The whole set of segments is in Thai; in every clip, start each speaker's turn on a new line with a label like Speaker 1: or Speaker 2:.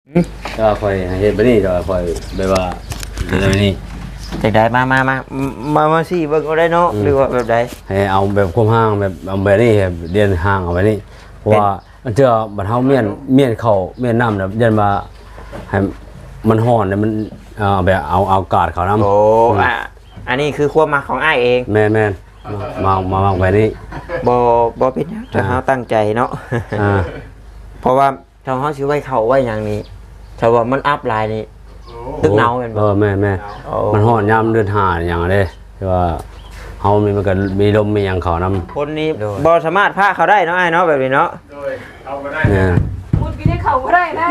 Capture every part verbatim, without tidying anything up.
Speaker 1: ก็คอยเฮ็ดแบบนี้ก็คอยแบบว่าแบบนี้
Speaker 2: จากใดมามามามามาสิเบิ่งเอาได้เนาะหรือว่าแบบใด
Speaker 1: ให้เอาแบบคุมห้างแบบเอาแบบนี้เรียนห้างเอาแบบนี้เพราะว่ามันเจอบัดเฮาเมียนเมียนเข้าเมียนน้ำแบบยันมาให้มันฮ้อนมันเอ่อแบบเอาเอากาดเขาน้ำ
Speaker 2: โอ้อ่ะอันนี้คือความมักของอ้ายเอง
Speaker 1: แม่นแม่นมามามาแบบนี้
Speaker 2: บ่บ่เป็นหยังถ้าเฮาตั้งใจเนาะเพราะว่าถ้าเฮาสิไว้เข้าไว้หยังนี้ถ้าว่ามันอัพหลายนี่ตึกเนาแม่นบ่
Speaker 1: เออแม่แม่มันฮ้อนยามเดือนห้าหยังเด้ที่ว่าเฮามีมันก็มีลมมีหยังเขานำ
Speaker 2: คนนี้บ่สามารถพาเขาได้เนาะอ้ายเนาะแบบนี้เนาะ
Speaker 3: โดยเอาบ่ได้
Speaker 1: เนี่ย
Speaker 3: พูดกินให้เขาบ่ได้นะ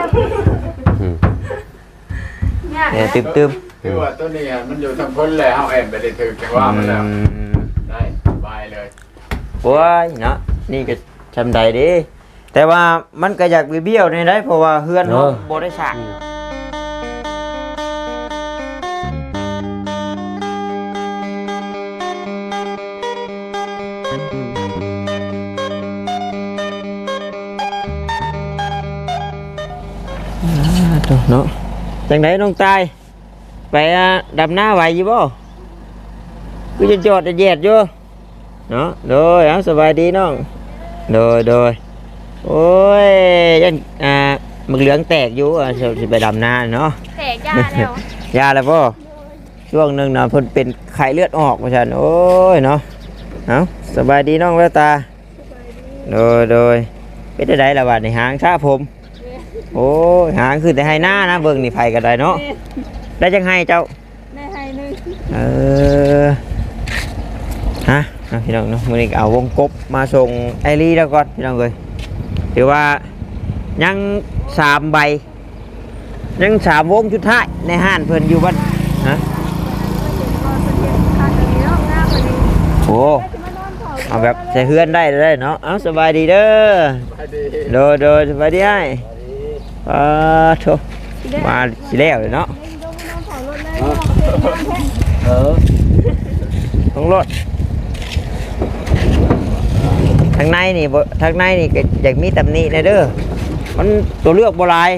Speaker 2: เนี่ยตึม
Speaker 3: ๆคือว่าตัวนี้มันอยู่ทางพ้นแล้วเฮาแอมไปได้ถึกจังว่ามันแล้วได้บายเลย
Speaker 2: โอ้ยเนาะนี่ก็จำได้ดิแต่ว่ามันก็อยากเบี้ยวๆนี่ได้เพราะว่าเฮือนเฮาบ่ได้สร้างเนาะจังไดน้องตายไปดำหน้าไหวอยู่บ่กูจะจอดจะแยดอยู่เนาะโดยเอาสบายดีน้องโดยโดยโอ้ยยันอ่ามึกเหลืองแตกอยู่อ่ะสิไปดำหน้าเนาะ
Speaker 4: แตกยาแล้ว
Speaker 2: ยาแล้วบ่ช่วงหนึ่งเนาะเพิ่นเป็นไข้เลือดออกว่าซั่นโอ้ยเนาะเอาสบายดีน้องแววตาโดยโดยเป็นได้ละบาดในหางชาผมโอ้หางคือแต่ให้หน้านะเบิ่งนี่ไผก็ได้เนาะได้จังให้เจ้า
Speaker 4: ได้ให้นึง
Speaker 2: เออฮะพี่น้องเนาะมื้อนี้เอาวงกบมาส่งไอรีแล้วก่อนพี่น้องเอ้ยถือว่ายังสามใบยังสามวงสุดท้ายในห้านเพิ่นอยู่บ้านฮะโอ้เอาแบบใส่เฮือนได้เลยเนาะเอาสบายดีเด้อโดยโดยสบายดีไอ้อ่าโถมาสิแล้วเลยเนาะเออต้องรถทางในนี่ทางในนี่ก็อยากมีตำหนินะเด้อมันตัวเลือกโบราณ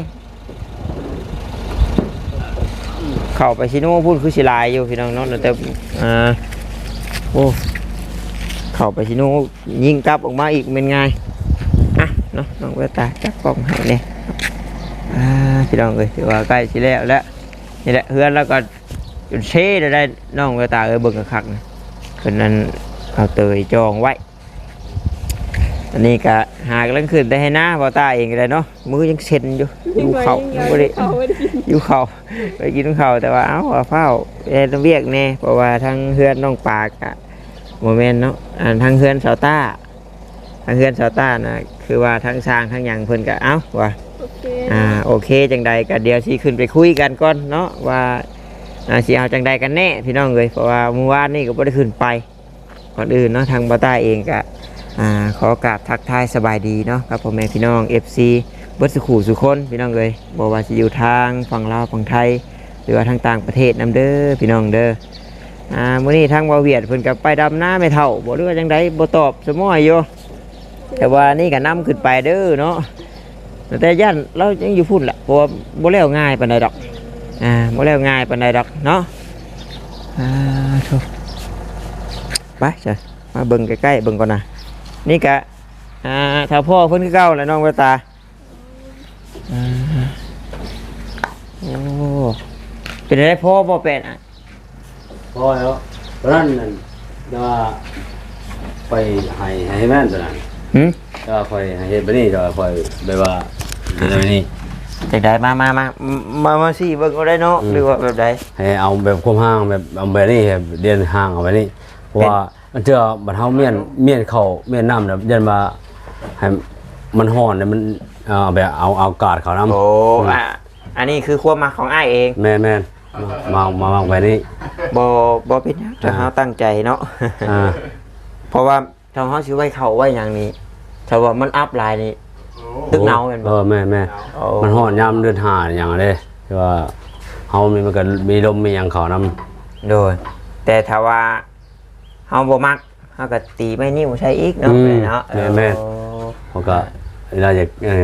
Speaker 2: เข้าไปชิโน่พูดคือสิลายอยู่พี่น้องเนาะแต่อ่าโอ้เข้าไปชิโน่ยิงกลับออกมาอีกเป็นไงอ่ะเนาะน้องเวตาจับกล้องให้เนี่ยอ่าพี่น้องเลยถือว่าใกล้สิแล้วแล้วนี่แหละเพื่อนแล้วก็จุดเช่ได้น้องเวตาเออเบิ่งกระคักนะคนนั้นเอาเตยจองไว้อันนี้ก็หากเรื่องขึ้นได้ให้หน้าพอตาเองเลยเนาะมือยังเซ็นอยู่อยู่เข่าไม่ได้อยู่เข่าไปกินเข่าแต่ว่าเอ้าเฝ้าเอ็นเวียกแน่เพราะว่าทั้งเฮือนน้องปากอะโมเมนต์เนาะทั้งเฮือนสาวต้าทั้งเฮือนสาวต้านะคือว่าทั้งสร้างทั้งอย่างเพิ่นก็เอ้าว่าอ่าโอเคจังใดก็เดี๋ยวสิขึ้นไปคุยกันก่อนเนาะว่าสิเอาจังใดกันแน่พี่น้องเลยเพราะว่าเมื่อวานนี่ก็ไม่ได้ขึ้นไปก่อนอื่นเนาะทางบาต้าเองก็อ่าขอกราบทักทายสบายดีเนาะครับพ่อแม่พี่น้อง เอฟ ซี เบิร์ดสุขุสุคนพี่น้องเลยบอกว่าจะอยู่ทางฝั่งลาวฝั่งไทยหรือว่าทางต่างประเทศนำเด้อพี่น้องเด้ออ่ามื้อนี้ทางบาเวียดเพิ่นกับไปดำหน้าไม่เท่าบอกด้วยว่าจังไดบ่ตอบสมอยอยู่แต่ว่านี่ก็นำขึ้นไปเด้อเนาะแต่ย่านเรายังอยู่พุ่นแหละเพราะว่าบ่แล้วง่ายปานใดดอกอ่าบ่แล้วง่ายปานใดดอกเนาะอ่าโธ่ไปจ้ะมาเบิ่งใกล้ๆเบิ่งก่อนนะนี่กะอ่าถ้าพ่อเพิ่นคือเก่าแหละน้องเวตาอ่าโอ้เป็นอะไรพ่อบ่เป็นอ่ะ
Speaker 1: พ่อแล้วตอนนั้นนั่นว่าไปให้ให้แม่นตอนนั้น
Speaker 2: หึ
Speaker 1: ก็คอยให้เฮ็ดแบบนี้ก็คอยแบบว่าแบบนี้
Speaker 2: จังไดมามามามามาสิเบิ่งเอาได้เนาะหรือว่าแบบใด
Speaker 1: ให้เอาแบบคุมห้างแบบเอาแบบนี้เรียนห้างเอาแบบนี้เพราะว่ามันเจอบัดเฮาเมียนเมียนเข้าเมียนน้ำแบบยันมาให้มันฮ้อนมันเอ่อแบบเอาเอากาดเขาน้ำ
Speaker 2: โอ้อ่ะอันนี้คือความมักของอ้ายเอง
Speaker 1: แม่นแม่นมามามาแบบนี้
Speaker 2: บ่บ่เป็นหยังถ้าเฮาตั้งใจเนาะเพราะว่าถ้าเฮาสิไว้เข้าไว้หยังนี้ถ้าว่ามันอัพหลายนี่ตึกเนาแม่นบ่
Speaker 1: เออแม่แม่มันฮ้อนยามเดือนห้าหยังเด้ที่ว่าเฮามีมันก็มีลมมีหยังเขานำ
Speaker 2: โดยแต่ถ้าว่าเฮาบ่มักเฮาก็ตีไม่นิ้วใช้อีกเนาะเนาะ
Speaker 1: แม่แม่เขาก็เวลาอยากอะไรล่ะ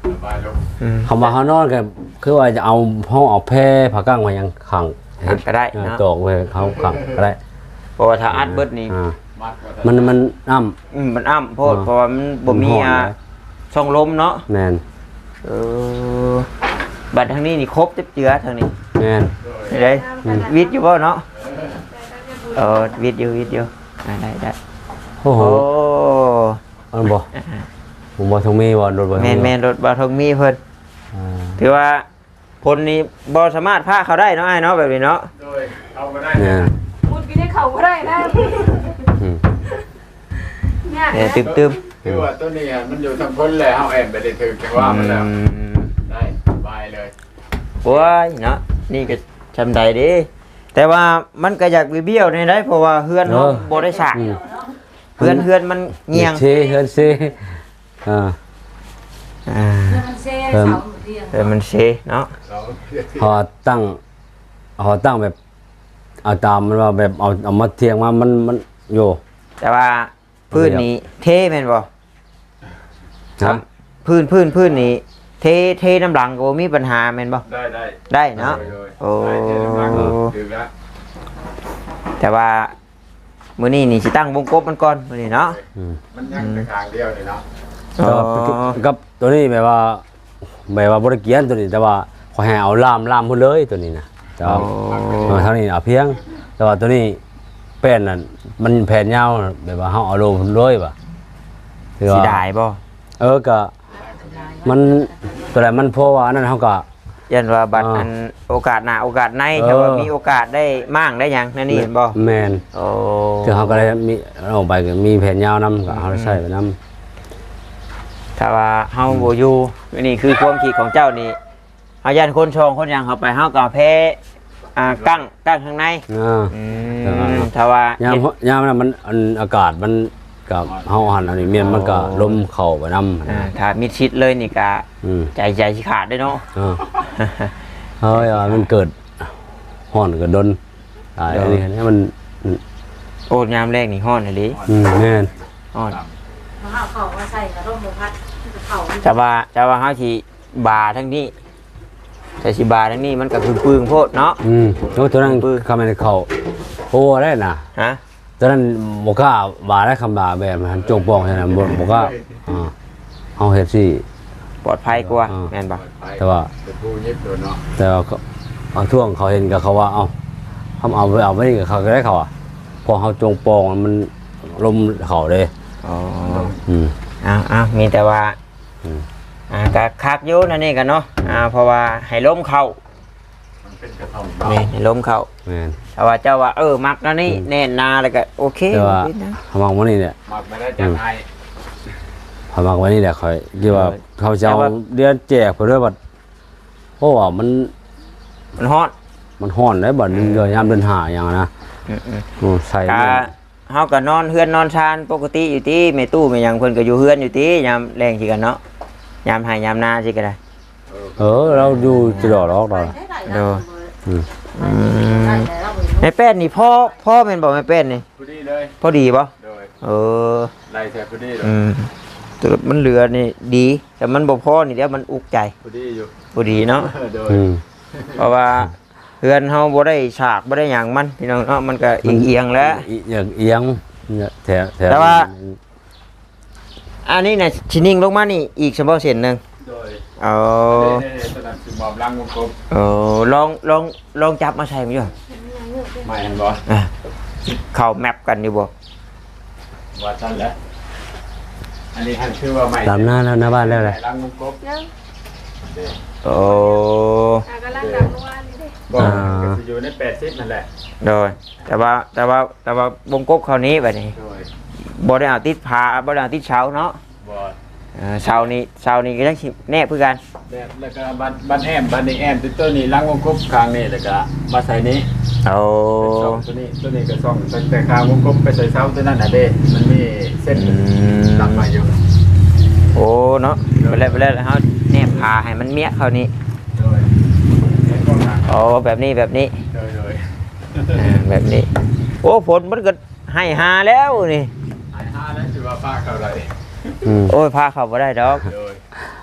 Speaker 3: สบายลง
Speaker 2: อืม
Speaker 1: คำว่าเขานอนก็คือว่าจะเอาห้องเอาแพร่ผ้ากั้งมายังขัง
Speaker 2: ขังก็ได้
Speaker 1: เออ
Speaker 2: เนาะ
Speaker 1: ตอกไว้เขาขังก็ได้
Speaker 2: เพราะว่าถ้าอัดเบิดนี่
Speaker 1: อ่า
Speaker 3: มัดว่า
Speaker 1: มันมันน้
Speaker 2: อืมมันอ้ำโพด
Speaker 1: อ่า
Speaker 2: เพราะว่ามันบ่มี
Speaker 1: มันฮ้อน
Speaker 2: อ่ะ
Speaker 1: นะ
Speaker 2: ช่องลมเนาะ
Speaker 1: ำแมน
Speaker 2: เออบัดทางนี้นี่ครบจับเจือทางนี้
Speaker 1: แมน
Speaker 2: ได้วิทย์อยู่บ่เนาะเออวิทย์อยู่วิทย์อยู่อ่าได้ได้
Speaker 1: โอ้โห
Speaker 2: โอ้
Speaker 1: อันบ่ผมบ่ทงมีบ่รถบ่
Speaker 2: แมนแมนรถบาทงมีเพิ่น
Speaker 1: อ่า
Speaker 2: ถือว่าพลนี้บ่สามารถพาเขาได้เนาะไอ้เนาะแบบนี้เนาะ
Speaker 3: โดยเอามาได้
Speaker 1: เนี่ย
Speaker 4: พูดกินให้เขาก็ได้นะ
Speaker 1: อืม
Speaker 4: เนี่ย
Speaker 2: เนี่ยตึมตึม
Speaker 3: คือว่าตัวนี้มันอยู่ทางพ้นเลยเอาแอบไปได้ถือจังว่ามันแล้วได้สบายเลย
Speaker 2: โอ้ยเนาะนี่ก็จำได้เดิแต่ว่ามันก็อยากเบี้ยวในได้เพราะว่าเฮือนเฮาบ่ได้สร้าง
Speaker 1: อืม
Speaker 2: เฮือนเฮือนมันเงียง
Speaker 1: เชเฮือนเซอ่า
Speaker 2: อ่า
Speaker 5: มันเซ่เสาเรียง
Speaker 2: เฮือนมันเซเนาะ
Speaker 3: เรา
Speaker 1: พอตั้งพอตั้งแบบเอาตามมันว่าแบบเอาเอามาเทียงมามันมันโย
Speaker 2: แต่ว่าพื้นนี้เทแม่นบ่
Speaker 1: ครับ
Speaker 2: พื้นพื้นพื้นนี้เทเทน้ำหลังก็บ่มีปัญหาแม่นบ่
Speaker 3: ได้ได้
Speaker 2: ได้เนาะ
Speaker 3: โอ้ถือแล้ว
Speaker 2: แต่ว่ามื้อนี้นี่สิตั้งวงกบมันก่อนมื้อนี้เนาะ
Speaker 1: อืม
Speaker 3: มันยังแต่ทางเดียวเลยเนาะ
Speaker 2: อ๋อ
Speaker 1: กับกับตัวนี้แบบว่าแบบว่าบริเกียนตัวนี้แต่ว่าขอให้เอาล่ามล่ามพุ่นเลยตัวนี้นะแต่ว่าเออเท่านี้เอาเพียง แต่ว่าตัวนี้แป้นนั่นมันแผ่นยาวแบบว่าเฮาเอาลงพุ่นเลยป่ะคือ
Speaker 2: สิ
Speaker 1: ว่า
Speaker 2: ได้บ่
Speaker 1: เออก็มันตัวไหนมันเพราะว่าอันนั้นเฮาก็
Speaker 2: ยันว่าบัตร
Speaker 1: อ่า
Speaker 2: อันโอกาสหน้าโอกาสใน
Speaker 1: เออ
Speaker 2: ถ้าว่ามีโอกาสได้มั่งได้หยังนั่นนี่เห็นบ่
Speaker 1: แม่น
Speaker 2: โอ้
Speaker 1: คือเฮาก็ได้มีเอาไปก็มีแผ่นยาวนํก็เอาใส่ไปนํ
Speaker 2: ถ้าว่าเฮาบ่อยู่นี่คือความคิดของเจ้านี่เฮายันคนชองคนหยังเข้าไปเฮาก็แพ้อ่ากั้งกั้งข้างใน
Speaker 1: อ่า
Speaker 2: อื
Speaker 1: เออ
Speaker 2: มถ้าว่าย
Speaker 1: าม
Speaker 2: เฮ็ด
Speaker 1: ยามนั้นมันอันอากาศมันกับเฮาหันอันนี้เมียนมันก็ลมเข้าไปนำ
Speaker 2: อ่าถ้ามิดชิดเลยนี่ก็
Speaker 1: อืม
Speaker 2: ใจใจสิขาดได้เนาะ
Speaker 1: เออเฮ้ยมันเกิดห่อนก็ดนตายอันนี้อันนี้มัน
Speaker 2: โอ้ยามแรกนี่ฮ้อนเลยดิ
Speaker 1: อืมแม่น
Speaker 2: ฮ้อน
Speaker 5: มาเอาเขามาใส่กระร่มพัดเขา
Speaker 2: แต่ว่าแต่ว่าเฮาสิบาทั้งนี้แต่สิบาทั้งนี้มันก็คือปึงโพดเนาะ
Speaker 1: อืมแล้วตัวนั้นคำนั้นเขาโอ้ได้น่ะ
Speaker 2: ฮะ
Speaker 1: ตัวนั้นบ่กล้าบาได้คำบาแบบมันจงปองใช่น่ะบ่บ่กล้าอ่าเฮาเฮ็ดสิ
Speaker 2: ปลอดภัยกว่า
Speaker 1: อ่า
Speaker 2: แม่นบ่
Speaker 1: แต่ว่า
Speaker 3: จะพูดยิบโดนเนาะ
Speaker 1: แต่ว่าเขาเอาท่วงเขาเห็นกับเขาว่าเอ้าทำเอาไปเอาไว้นี่กับเขาก็ได้เขาอ่ะพอเฮาจงปองมันลมเขาเด้
Speaker 2: อ๋อ
Speaker 1: อืม
Speaker 2: อ้าวอ้าวมีแต่ว่า
Speaker 1: อืม
Speaker 2: อ่าก็คักอยู่นั่นนี่กันเนาะอ่าเพราะว่าให้ล้มเข้า
Speaker 3: มันเป็นกระท่อม
Speaker 2: นี่ให้ล้มเข้า
Speaker 1: แม่น
Speaker 2: แต่ว่าเจ้าว่าเออมักนั่นนี่แน่นนาแล้วก็โอเค
Speaker 1: แต่ว่า
Speaker 2: นิดนะ
Speaker 1: ทำมองว่านี่เนี่ย
Speaker 3: มักไม่ได้จากไอ้
Speaker 1: พอมากไว้นี่แหละคอยที่ว่า
Speaker 2: เออ
Speaker 1: เขาจะเอา
Speaker 2: แต่ว่า
Speaker 1: เดือนแจกไปด้วยบัดเพราะว่ามัน
Speaker 2: มันฮ้อน
Speaker 1: มันห้อนได้บัดเดือนยามเดือนหาอย่างนะ
Speaker 2: อืม
Speaker 1: อืมใส่
Speaker 2: ๆก็เฮาก็นอนเฮือนนอนชานปกติอยู่ที่แม่ตู้แม่หยังเพิ่นก็อยู่เฮือนอยู่ที่ยามแรงสิกันเนาะยามให้ยามนาสิก็ได้
Speaker 1: เออเราอยู่จะดอกดอกดอก
Speaker 2: โด
Speaker 1: อืม
Speaker 2: อืมแม่แป้นนี่พ่อพ่อแม่นบ่แม่แป้นนี่
Speaker 3: พูดดีเลย
Speaker 2: พอดีบ่
Speaker 3: โดย
Speaker 2: เออ
Speaker 3: ไล่แทบพูดดีเลย
Speaker 2: อืมแต่มันเหลือนี่ดี แต่มันบ่พอนี่เดี๋ยวมันอุกใจ
Speaker 3: พูดดีอยู่
Speaker 2: บ่ดีเนาะ
Speaker 3: โดย
Speaker 1: อืม
Speaker 2: เพราะว่าเฮือนเฮาบ่ได้ฉากบ่ได้หยังมันพี่น้องเนาะมันก็เอียงๆแล้ว
Speaker 1: อีอย่างเอียงเนี่ยแถวแถว
Speaker 2: แต่ว่า อันนี้น่ะสินิ่งลงมานี่อีกเฉพาะเส้นหนึง
Speaker 3: โดย
Speaker 2: เอา
Speaker 3: เน่ๆตอนนั้นคือบอมล้างวงกลม
Speaker 2: เอาลองลองลองจับมาใส่มันอยู่
Speaker 3: ไม่เห็นบ่
Speaker 2: อ่ะเข้าแมปกันอยู่บ่
Speaker 3: ว่าสั้นแล้วอันนี้ท่านชื่อว่าไม่
Speaker 1: ตามหน้าแล้วหน้าบ้านแล้วเลย
Speaker 3: ล้างวงกลม
Speaker 4: ยัง
Speaker 2: โอ้
Speaker 4: อ่ะกำลังดับเมื่อวานนี่เด้
Speaker 3: บอกก็จะอยู่ในแปดสิบนั่นแหละ
Speaker 2: โดยแต่ว่าแต่ว่าแต่ว่าวงกบคราวนี้บัดนี้
Speaker 3: โดย
Speaker 2: บ่ได้เอาติดผาบ่ได้เอาติดเสาเนาะ
Speaker 3: บอ
Speaker 2: เออเสานี้เสานี้ก็ยังสิแนบคือกัน
Speaker 3: แบบแล้วก็บันบันแอมบันนี้แอมตัวตัวนี้ล้างวงกลมคางนี่แล้วก็มาใส่นี้
Speaker 2: เอา
Speaker 3: เป็นซ่องตัวนี้ตัวนี้ก็ซ่องตั้งแต่คางวงกลมไปใส่เสาตัวนั้นน่ะเด้มันมีเส้นตัดมาอยู่
Speaker 2: โอ้เนาะไปแล้วไปแล้วเฮาแนบผาให้มันเมียเขานี่
Speaker 3: โดยเส้นกองทาง
Speaker 2: โอ้แบบนี้แบบนี้
Speaker 3: โดยโดย
Speaker 2: อ่าแบบนี้ โอ้ฝนมันก็ให้หาแล้วนี่
Speaker 3: หายห้าแล้วถือว่าป้าเขาไร
Speaker 1: อืม
Speaker 2: โอ้ยพาเขาบ่ได้ดอก
Speaker 3: โดย
Speaker 2: พ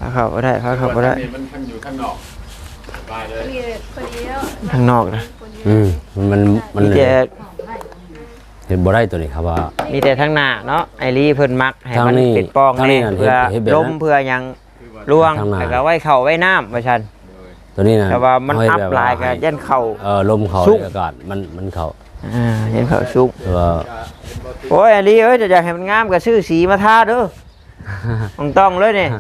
Speaker 2: พาเข้าบ่ได้พาเข้าบ่ได้
Speaker 3: มันทั้งอยู่ข้างนอกสบายเลย
Speaker 4: นี่คนเดียว
Speaker 2: ข้างนอกนะ
Speaker 1: อืมมันมัน
Speaker 2: มีแต่
Speaker 1: เห็นบ่ได้ตัวนี้ครับว่า
Speaker 2: มีแต่ทางหน้าเนาะไอรีเพิ่นมักให้มัน
Speaker 1: ทางนี้
Speaker 2: เป็นปอง
Speaker 1: ทางนี้
Speaker 2: แน่
Speaker 1: น่ะ
Speaker 2: เพื่อ
Speaker 1: เฮ็ดเฮ็ดแบบนั้น
Speaker 2: ลมเพื่อหยังล่วง
Speaker 1: ทางหน้า
Speaker 2: แล้วก็ไว้เข้าไว้น้ำว่าซั่น
Speaker 1: ตัวนี้นะ
Speaker 2: แต่ว่ามัน
Speaker 1: เฮ็ด
Speaker 2: อัพ
Speaker 1: แบบ
Speaker 2: ลายก็
Speaker 1: ให้
Speaker 2: ยันเข้า
Speaker 1: เออลมเขา
Speaker 2: ซุก
Speaker 1: อากาศมันมันเขา
Speaker 2: อ่ายันเข้าสุก
Speaker 1: แต่ว่า
Speaker 2: โอ้ยไอรีเอ้ยจะอยากให้มันงามก็ซื้อสีมาทาเด้อ ต้องต้องเลยนี่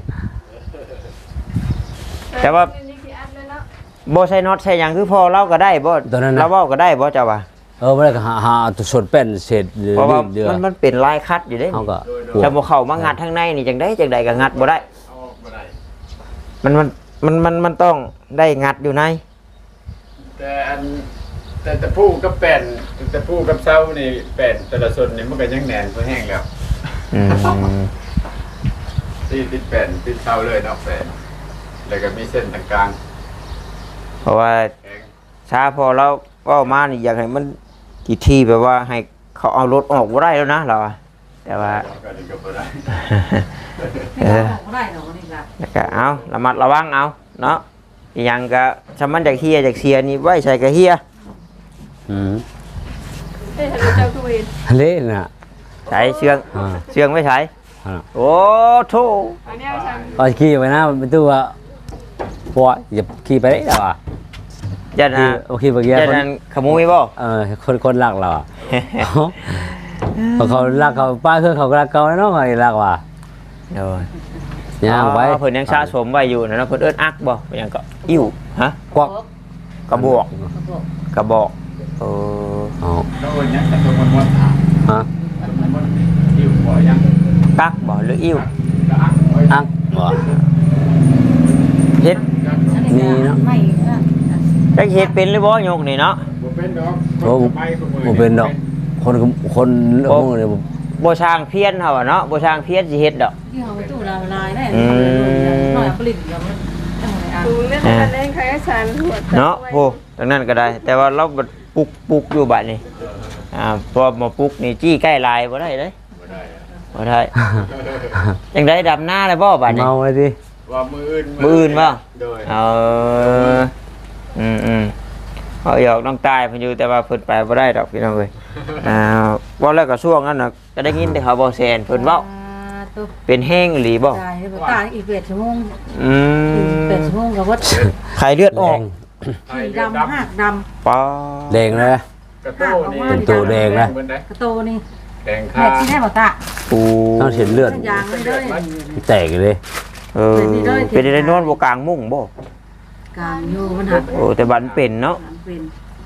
Speaker 2: แต่ว่า
Speaker 4: นี่กี่อันเลยเนาะ
Speaker 2: บ่ใส่น็อตใส่หยังคือพอเราก็ได้บ่
Speaker 1: ตัวนั้นนะ
Speaker 2: เราเว้าก็ได้บ่เจ้าว่า
Speaker 1: เออบ่ได้ก็หาหาตัวส่วนเป็นเศษหรือ
Speaker 2: เพราะว่า
Speaker 1: เดือ
Speaker 2: มันมันเป็นลายคัดอยู่เด้
Speaker 1: เฮาก็
Speaker 2: จะบ่เข้ามางัดทางในนี่จังได๋จังได๋ก็งัดบ่ได้
Speaker 3: เอาออกมาได้
Speaker 2: มันมันมันมันมันต้องได้งัดอยู่ใน
Speaker 3: แต่อันแต่แต่ผู้กับแป้นแต่ผู้กับเซานี่แป้นแต่ละส่วนนี่มันก็ยังแน่นพอแห้งแล้ว
Speaker 2: อืม
Speaker 3: ที่ติดแป้นติดเซาเลยเนาะแป้นแล้วก็มีเส้นตรงกลาง
Speaker 2: เพราะว่า
Speaker 3: แข็ง
Speaker 2: ช้าพอเราก็มานี่อยากให้มันกี่ที่แบบว่าให้เขาเอารถออกบ่ได้แล้วนะเราอะแต่ว่า
Speaker 3: ก็นี่ก็บ่ได้
Speaker 2: เออ
Speaker 5: ของได้หรอกนี่ล่ะ
Speaker 2: แล้วก็เอาระมัดระวังเอาเนาะอีหยังก็ชำมันจากเฮียจากเสียนี่ไว้ใส่กระเฮีย
Speaker 1: อืม
Speaker 4: เอ้ยเจ้าคือเวน
Speaker 1: เละน่ะ
Speaker 2: ใส่เชือง
Speaker 1: อ่า
Speaker 2: เชืองไม่ใส่
Speaker 1: อ่า
Speaker 2: โอ้โถ
Speaker 4: อันนี้เอาฉัน
Speaker 1: เอาขี่ไปนะเป็นตัวปล่อยอย่าขี่ไปได้หรอวะ
Speaker 2: ยัน
Speaker 1: ขี่
Speaker 2: นะ
Speaker 1: โอเคเมื่อกี้
Speaker 2: ยัน
Speaker 1: คน
Speaker 2: นั้นขโมยบ่
Speaker 1: เออคนคนรักเราอ่ะพอเขารักเขาป้าคือเขาก็รักเขาแล้วเนาะเขารักว่ะ
Speaker 2: โอ้ย
Speaker 1: ย่างไว้
Speaker 2: อ๋อเพิ่นยังสะสมไว้อยู่นะเนาะเพิ่นเอิ้นอักบ่เพิ่นยังก็อิ่วฮะ
Speaker 1: กวัก
Speaker 2: กระบอกกระบอกเออ
Speaker 1: เอา
Speaker 3: แล้ววันนี้แต่ตัวมันมันถาม
Speaker 1: ฮะ
Speaker 3: มันมันอยู่บ่ยัง
Speaker 2: กักบ่หรืออิ่ว
Speaker 3: ก็อักไว้
Speaker 1: อักบ่
Speaker 2: เฮ็ด
Speaker 1: มีเนาะ
Speaker 5: ไม่ก็
Speaker 2: จักเฮ็ดเป็นหรือบ่ยกนี่เนาะ
Speaker 3: บ่เป็นดอก
Speaker 1: โอ้บ่เป็นดอก คนก็คนโอ้เนี่ยบ่
Speaker 2: บ่ช่างเพี้ยนเฮาอะเนาะบ่ช่างเพี้ยนสิเฮ็ดดอก
Speaker 5: ที่เอาไปตู้ละลายได้
Speaker 2: อืม
Speaker 5: หน่อยผลิตแล้วมันต้องอะไรอ่ะ
Speaker 4: ดูเรื่องการเล่นใครก็ฉันหัว
Speaker 2: เนาะโหตรงนั้นก็ได้ แต่ว่าเราบัดปลุกปลุกอยู่บัดนี้อ่าพอมาปลุกนี่จี้ใกล้ลายบ่ได้เด้
Speaker 3: บ่ได้อะ
Speaker 2: บ่ได้จังได๋ดำหน้าเลยบ่บัดนี้
Speaker 1: เมาไว้ดิ
Speaker 3: ว่ามืออื่น
Speaker 2: มืออื่นบ่
Speaker 3: โดย
Speaker 2: เอออืมอืมเอาหยอกน้องตายเพิ่นอยู่แต่ว่าเพิ่นไปบ่ได้ดอกพี่น้องเอ้ยอ่าว่าแล้วก็ช่วงนั้นน่ะก็ได้ยินแต่เขาบ่แซนเพิ่นเว้า
Speaker 5: ตัว
Speaker 2: เป็นแห้งอีหลีบ่
Speaker 5: ตายไปตายอีกเจ็ดชั่วโมง
Speaker 2: อืม
Speaker 5: เจ็ดชั่วโมงกับวัด
Speaker 2: ไข้เลือดออก
Speaker 5: สีดำหักด
Speaker 2: ป้า
Speaker 1: แดงเลย
Speaker 3: กระโต้นี่
Speaker 1: เป็นตัวแดงนะ
Speaker 5: ำกระโตนี่
Speaker 3: แดง
Speaker 5: แม่
Speaker 3: ค่า
Speaker 5: ที่ได้บอกตา
Speaker 2: ปู
Speaker 1: ต้องเห็นเลือด
Speaker 5: ยางไม่ได้
Speaker 1: แตกเลย
Speaker 2: เออเป็นได้นอนบ่กลางมุ้งบ่
Speaker 5: กลางอยู่มันหัก
Speaker 2: โอ้แต่บัดมันเป็นเนาะ
Speaker 5: เป็น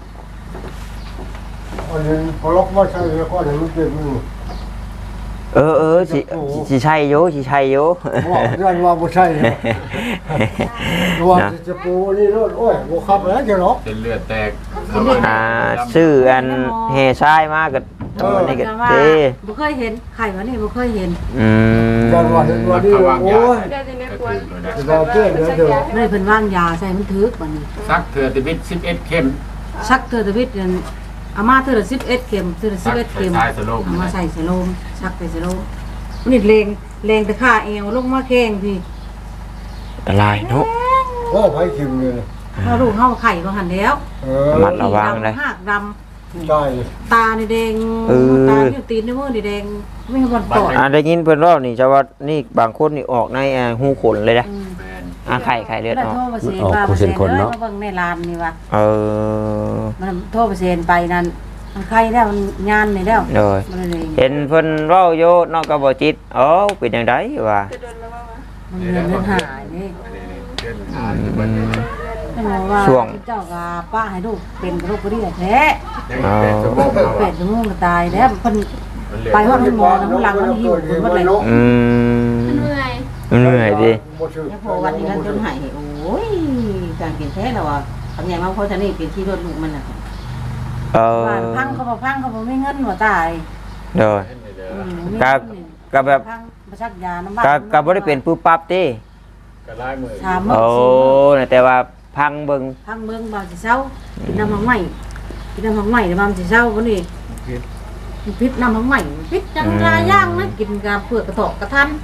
Speaker 6: อันนี้พอล็อกว่าใช่แล้วก็เดี๋ยวมันเป็นมือ
Speaker 2: เออเออสิสิใช่อยู่สิใช่อยู่
Speaker 6: ว่าเรื่องว่าบ่ใช่นะว่าจะปูนี่รถโอ้ยบ่ขับแล้วจะหรอก
Speaker 3: เป็นเลือดแตก
Speaker 2: อ่าชื่ออันเฮทรายมาก็เออนี่ก็
Speaker 5: ว่า
Speaker 2: เด้
Speaker 5: บ่เคยเห็นไข่วะนี่บ่เคยเห็น
Speaker 2: อืม
Speaker 6: กันว่าเห็นว่านี่โอ้ย
Speaker 4: เดี๋ยวจะไม่ควร
Speaker 6: เราเชื่อเดี๋ยวเดี๋ยว
Speaker 5: ไม่ได้เพิ่นว่างยาใส่มันถึกบัดนี้
Speaker 3: ซักเถื่อติบิดสิบเอ็ดเข็ม
Speaker 5: ชักเธอตะวิทย์นั่นอามาเธอละสิบเอ็ดเข็มเธอละสิบเอ็ดเข็ม
Speaker 3: ใส่สโลม
Speaker 5: เอามาใส่สโลมชักไปสโลมนี่เลงเลงตะข่าเอวลงมาแข้งพี่
Speaker 2: อะไรเนาะ
Speaker 6: โอ้ไผคิมเลย
Speaker 5: พอลูกเฮาไข่ก็หันแล้ว
Speaker 6: เออ
Speaker 2: ระมัดระวังเลย
Speaker 5: หากด
Speaker 6: ใช่
Speaker 5: ำตานี่แดง
Speaker 2: เออ
Speaker 5: ตานี่ตีนนี่มือนี่แดงไม่มีบอลปอด
Speaker 2: อ่าได้ยินเพิ่นว่านี่จะว่านี่บางคนนี่ออกในอ่าหูขนเลยนะ
Speaker 5: อืม
Speaker 3: แมน
Speaker 2: อ่าไข่ไข่เลือด
Speaker 5: แล้ว
Speaker 2: ออก
Speaker 5: โทรมาเซนว่ามาเซนเลยมาเบิ่งในร้านนี่ว่า
Speaker 2: เออ
Speaker 5: มันโทรมาเซนไปนั่นมันไข่แล้วมันยานนี่แล้ว
Speaker 2: โดย
Speaker 5: มันเลย
Speaker 2: เห็นเพิ่นเว้าโยนอกกบ่จิตเอ้าเป็นจังไดวะ
Speaker 4: จะโดนแล้วว่า
Speaker 5: มันเงินเงินหายนี่
Speaker 3: อันนี้เดือนหาอยู่บัดนี้
Speaker 5: ไม่รู้ว่าเจ้ากับป้าให้ลูกเป็นกระโรคกระเดี่ยแท้
Speaker 3: ยังเป็นสมองเรา
Speaker 5: เป็
Speaker 3: อะ
Speaker 5: ดชั่วโมงก็ตายแล้วเพิ่นไปฮอดหมอน้ำหลังมันหิวเพิ่นว่าเลย
Speaker 2: อืม
Speaker 4: เหนื่อย
Speaker 2: เหนื่อยดิ
Speaker 7: แล้วพอวันนี้มันจนหายโอ้ยการเปลี่ยนแท้แล้วอ่ะทำอย่างมาเพราะฉะนี้เป็นที่รถลูกมันอ่ะ
Speaker 2: เออ
Speaker 5: ว่าพังเขาบ่พังเขาบ่มีเงินว่าตาย
Speaker 2: โดย
Speaker 5: อืม
Speaker 2: ก็ก็แบบ
Speaker 5: พังมาชักยาน้ำบ้าน
Speaker 2: ก็ก็บ่ได้เป็นปุ๊บปั๊บติ
Speaker 3: ก็ลายมือ
Speaker 5: สามมื้
Speaker 2: โอ้
Speaker 5: สี่มื้อ
Speaker 2: แต่ว่าพังเบิ่ง
Speaker 5: พังเมืองบ่สิเช้ากินน้ำมันใหม่กินน้ำมันใหม่แล้วมันสิเช้าวันนี้พิษน้ำมันใหม่พิษจังหลายอย่างนะกินกาเผือกกระตอกกระทัน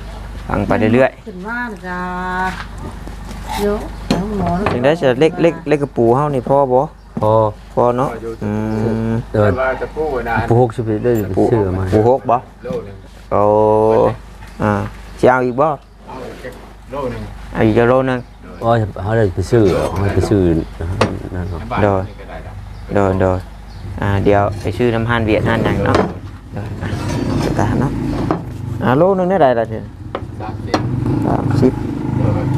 Speaker 2: ฟังไปเรื่อย
Speaker 5: ขึ้นมาจ้าเยอะแล้วหมอ
Speaker 2: ๆถึงได้จะเล็กเล็กเล็กกระปูเฮานี่พอบ่
Speaker 1: พอ
Speaker 2: พอเนาะอืม
Speaker 1: เดิน
Speaker 3: แต่ว่าตะปูนะ
Speaker 1: ผู้หกสิบได้ไปซื้อมา
Speaker 2: ปูหกบ่
Speaker 3: โลนึง
Speaker 2: โอ้อ่าสิเอาอีกบ่
Speaker 3: เอาอีกโลนึง
Speaker 2: เอาอีกโลนึง
Speaker 1: อ๋อเขาได้ไปซื้อเขาได้ไปซื้อนั่นเนาะ
Speaker 3: ในบ้าน
Speaker 2: โดย
Speaker 3: นี่ก็ได้แล้ว
Speaker 2: โดยโดยอ่าเดี๋ยวไปซื้อน้ำฮันเวียดนั่นหยังเนาะโดยอ่ะตามเนาะอ่าโลนึงได้ไรล่ะเด้อ
Speaker 3: สามสิบ
Speaker 2: สามสิบ
Speaker 3: โดย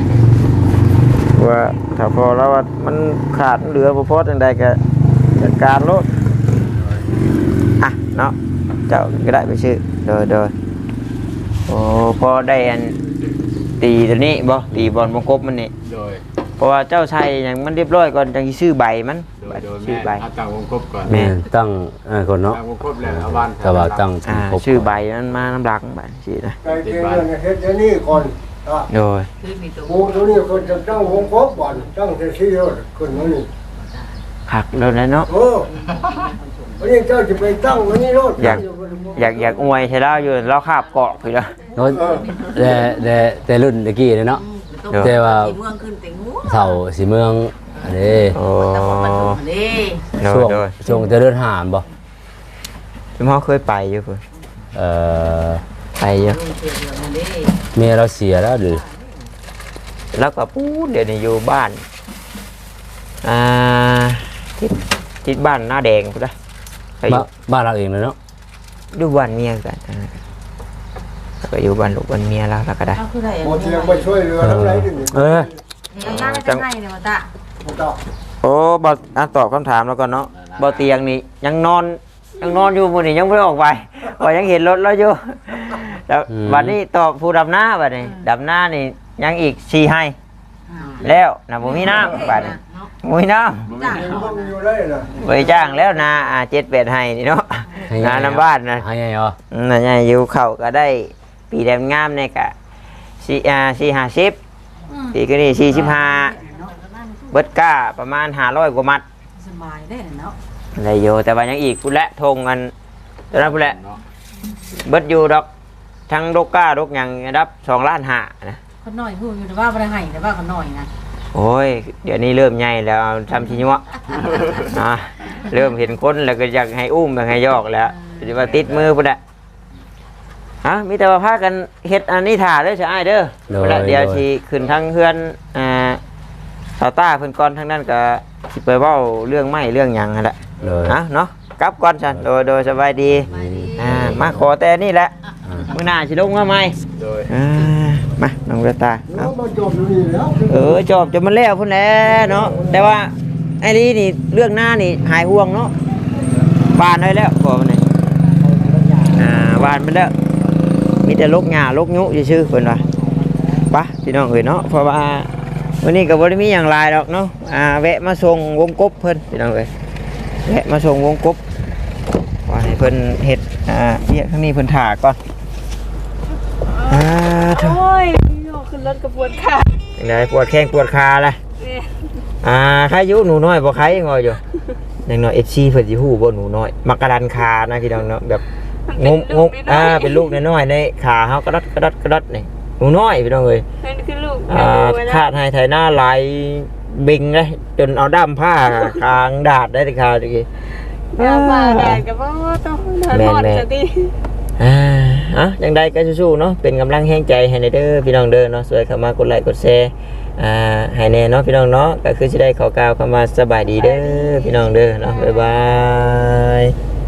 Speaker 2: ว่าถ้าพอแล้วว่ามันขาดเหลือบ่พอจังใดก็จัดการโลดอ่ะเนาะเจ้าก็ได้ไปซื้อโดยโดยโอ้พอได้อันตีตัวนี้บ่ตีบอลวงกบมันนี่
Speaker 3: โดย
Speaker 2: เพราะว่าเจ้าใช้อย่างมันเรียบร้อยก่อนจังสิซื้อใบมัน
Speaker 3: โดยโดย
Speaker 2: ซื้อ
Speaker 3: แม่
Speaker 2: ใบ
Speaker 3: เอาตั้งวงกบก่อน
Speaker 2: แม่
Speaker 1: แม่ตั้งอ่าคนเนาะ
Speaker 3: ตั้งวงกบแล้วเอาบ้าน
Speaker 1: แต่ว่าตั้ง
Speaker 2: อ่า
Speaker 1: ครบ
Speaker 2: ชื่อใบมันมาน้ำหลักใบสินะ
Speaker 6: ไก่เกลือเนี่ยเฮ็ดอย่างนี้ก่อนอ่ะ
Speaker 2: โดย
Speaker 7: คือมีตัว
Speaker 6: หมูตัวนี้คนจะตั้งวงกบก่อนตั้งแต่ที่รถคนนี้
Speaker 2: หักแล้วนะเนาะ
Speaker 6: โอ้วันนี้เจ้าจะไปตั้งวันนี้รถ
Speaker 2: อยากอยากอยากอวยใช่แล้วอยู่เราคาบเกาะไปแล้ว
Speaker 1: เนาะแต่แต่แต่รุ่นตะกี้เนาะ
Speaker 2: เดี๋ยว
Speaker 1: แต่ว่า
Speaker 7: เมืองขึ้นแต่งู
Speaker 1: เสาสีเมืองอันนี้
Speaker 2: โอ้
Speaker 7: ตะบนมันถูกนี่
Speaker 2: โดย
Speaker 1: ช่วง
Speaker 2: โดย
Speaker 1: ช่วงจะเดินหามบ่
Speaker 2: พี่พ่อเคยไปอยู่เพิ่น
Speaker 1: เอ่อ
Speaker 2: ไปอยู่
Speaker 7: ลุงเทียนเดียวมันนี่
Speaker 1: เมียเราเสียแล้วหรือ
Speaker 2: แล้วก็ปู๊ดเดี๋ยวนี้อยู่บ้านอ่าทิศทิศบ้านหน้าแดงพุ่นนะไปอยู่
Speaker 1: บ้านบ้านเราเองเลยเนาะ
Speaker 2: ดูบ้านเมียกันอ่าแล้วก็อยู่บ้านลูกบ้านเมียแล้วแล้วก็ได้
Speaker 7: เอาคือได้
Speaker 6: หมอเทียงมาช่วยเรือทั้งหลายดิ
Speaker 1: เออ
Speaker 5: ยังนั่งจะให้เนี่ยมาตะ
Speaker 6: บ่ต้อง
Speaker 2: โอ้บออ่ะตอบคำถามแล้วก่อนเนาะบอเตียงนี่ยังนอนยังนอนอยู่มื้อนี้ยังไม่ได้ออกไปก็ยังเห็นรถแล้วอยู่แล้ววันนี้ตอบผู้ดำหน้าบัดนี้ดำหน้านี่ยังอีกสี่ให้แล้วนะบ่มีน้ำบัดนี้บ่มีน้ำ
Speaker 6: เองต้องอยู่ได้น่ะ
Speaker 2: ไปจ้างแล้วนาอ่าเจ็ดแปดให้นี่เนาะนาน้ำบ้านนะ
Speaker 1: ให้ไงเหรอ
Speaker 2: อืมน่ะใหญ่อยู่เข้าก็ได้ปีแดงงามเนี่ยกะสี่อ่าสี่ห้าสิบปีก็นี่สี่สิบห้าเบิดก้าประมาณห้าร้อยกว่ามัด
Speaker 5: สบายได้เนาะ
Speaker 2: ได้อยู่แต่ว่ายังอีกพุ่นละทงกันตอนนั้นพุ่นละ
Speaker 3: เนาะ
Speaker 2: เบิดอยู่ดอกทั้งดกก้าดกหยังรับสองล้านห้านะ
Speaker 5: คนหน่อยพูดอยู่แต่ว่าบ่ได้ให้แต่ว่าคนหน่อยนะ
Speaker 2: โอ้ยเดี๋ยวนี้เริ่มใหญ่แล้วทำชิญวะ อ่ะเริ่มเห็นคนแล้วก็อยากให้อุ้มอยากให้ยอกแล้วจะมาติดมือพุ่นละฮะมีแต่ว่าพากันเฮ็ดอันนี้ถ่าเด้อใช่ไอ้ายเด้อพุ่นละเดี๋ยวสิขึ้นทางเฮือนอ่าสาวต้าเพิ่นก่อนทางนั้นก็สิไปเว้าเรื่องไม้เรื่องหยังนั่นแหละ
Speaker 1: เลย
Speaker 2: นะเนาะกลับก่อนฉันโดยโดยสบายดีอ่ามาขอแต่นี่แหละมื้อหน้าสิลงมาใหม่
Speaker 3: โดย
Speaker 2: อ่ามาน้องเวตา
Speaker 6: แล้
Speaker 2: เอา
Speaker 6: วมาจบอยู่นี่แล้ว
Speaker 2: เออจบจะมันแล้วพุ่นแหล้วเนาะแต่ว่าไอ้นี่นี่เรื่องหน้านี่หายห่วงเนาะบานได้แล้วพอมันนี่อ่าบานไปแล้วมีแต่ลกหญ้าลกยุซื่อๆเพิ่นว่าไปะพี่น้องเอ้ยเนาะเพราะว่าวันนี้ก็บ่ได้มีหยังหลายดอกเนาะอ่าแวะมาส่งวงกบเพิ่นพี่น้องเอ้ยแวะมาส่งวงกบว่าให้เพิ่นเฮ็ดอ่าเรียกทางนี้เพิ่นถ่าก่อนอ่าเถอะ
Speaker 4: โอ้ยโยกขึ้นรถกระปวดขา
Speaker 2: จังไดปวดแข้งปวดขาล่ะ
Speaker 4: เนี่ย
Speaker 2: อ่าใครอยู่หนูน้อยบ่ใครยังงอยอยู่อย่างน้อย เอฟ ซี เพิ่นสิฮู้บ่หนูน้อยมักกะดันขานะพี่น้องเนาะแบบงมงมอ่าเป็นลูกน้อยๆในขาเฮากระดัดกระดัดกระดัดนี่หนูน้อยพี่น้องเอ้ย
Speaker 4: นั่นคือลูก
Speaker 2: อ่าขาดให้ไถหน้าหลายบิงเลยจนเอาด้ามผ้าคางดาดได้ขาตะกี้
Speaker 4: ยามาแดดกับว่าต้องเดินหอดจะดี
Speaker 2: อ่าอ่ะจังใดก็สู้ๆเนาะเป็นกำลังแห่งใจให้ในเด้อพี่น้องเด้อเนาะช่วยเข้ามากดไลค์กดแชร์อ่าให้แน่เนาะพี่น้องเนาะก็คือสิได้ขอกล่าวคำว่าสบายดีเด้อพี่น้องเด้อเนาะบ๊ายบาย